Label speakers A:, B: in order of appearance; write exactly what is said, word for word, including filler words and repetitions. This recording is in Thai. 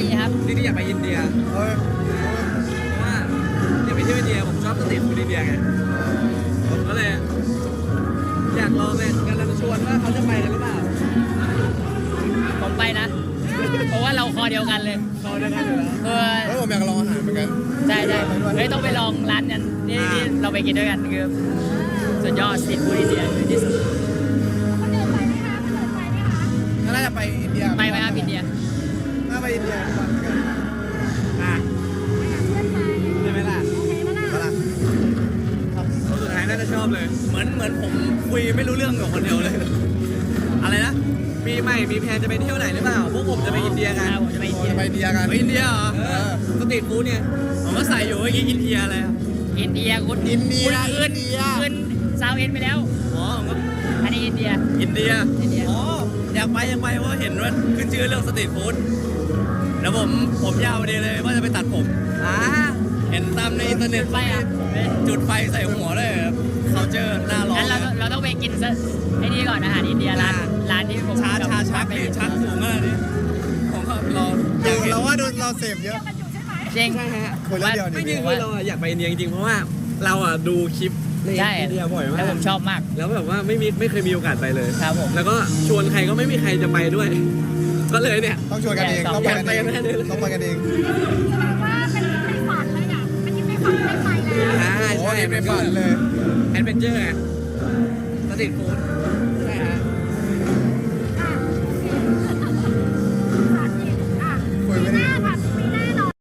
A: ครับ
B: จริงๆอยากไปอินเดีย
C: เฮ้ย
B: เพราะว่าอยากไปเที่ยวอินเดียผมชอบสตรีทฟู้ดอินเดียไงผมก็เลยอยากลองเลยกำลังชวนว่าเขาจะไปกันหรือเปล่า
A: ผมไปนะ เพราะว่าเราคอเดียวกันเลย
B: รอด้วยกันอยู่แล้ว
A: เออ
C: เฮ้ยผมอยากลองอาหารเหมือนกัน
A: ใช่ใช่เฮ้ยต้องไปลองร้านนั้นนี่ที่เราไปกินด้วยกันคือสุดยอดสตรีทฟู้ดอินเดียคือที่สุด
C: ก็น่าจะไปอินเดีย
A: ไปไหมครับอินเดีย
C: น่าไปอินเดียทุกวันเหมือนกัน
B: อ่ะใช่ไหมล่ะ
C: มาละ
B: คนสุดท้ายน่าจะชอบเลย เหมือนเหมือนผมคุยไม่รู้เรื่องกับคนเดียวเลย อะไรนะปีใหม่มีแพลนจะไปเที่ยวไหนหรือเปล่าพวกผมจะไปอินเดียกัน
A: ผมจะไปอินเดีย
C: จะไปอินเดียกัน
B: ไปอินเดียเหรอ
C: เออ
B: สตรีทฟู้ดเนี่ยผมก็ใส่อยู่เมื่อกี้อินเดียอะไรอะ
A: อินเดียคุณ
C: อินเดีย
A: คุณ
C: อินเดีย
A: ขึ้นซาวเอ็นไปแล้ว
B: อ๋อผมก็
A: อันนี้อินเดีย
B: อินเดีย
A: อินเดีย
B: อ๋ออยากไปอยากไปเพราะเห็นว่าขึ้นชื่อเรื่องสตรีทฟู้ดแล้วผมผมยาวพอดีเลยว่าจะไปตัดผมอ่าเห็นตามในอินเทอร์เน็ต
A: ไปอ่ะ
B: จุดไฟใส่หัวเลยเขาเจอหน้าร้อน
A: งั้นเราเราต้องไปกินซะไอ้นี่ก่อนอาหารอินเดียร้านร้านที่ผม
B: ชาชาชัก
A: ไป
B: นี่ชักสูงขนาดนี้ผมก็รออ
C: ดู
B: ยากเห็น
C: เราว่าดูเราเสพเยอะ
A: จริง
B: ใช่ฮะ
C: คนละเดียว
B: ไม่จริ
C: นี่
B: งคือเราอะอยากไปอินเดียจริงๆเพราะว่าเราอ่ะดูคลิปใน
A: ใช่
B: อินเดียบ่อยมา
A: แล้วผ
B: ก
A: มชอบมาก
B: แล้วแบบว่าไม่มีไม่เคยมีโอกาสไปเลย
A: ครับผม
B: แล้วก็ชวนใครก็ไม่มีใครจะไปด้วย ก็เลยเนี่ย
C: ต้องชวนกันเอง ต้องไปกันเอง
B: อยากไปกันแน่เลย
C: ต้องไปกันเอง
D: ว่าเป็นในฝันเลยอ่ะเป็นในฝันได้ไปแล้ว
B: อ่า
C: โอ้
B: ใช่
C: ยไม่ฝันเลย
B: แอดเวนเจอร์ไงสตรีทฟู้ด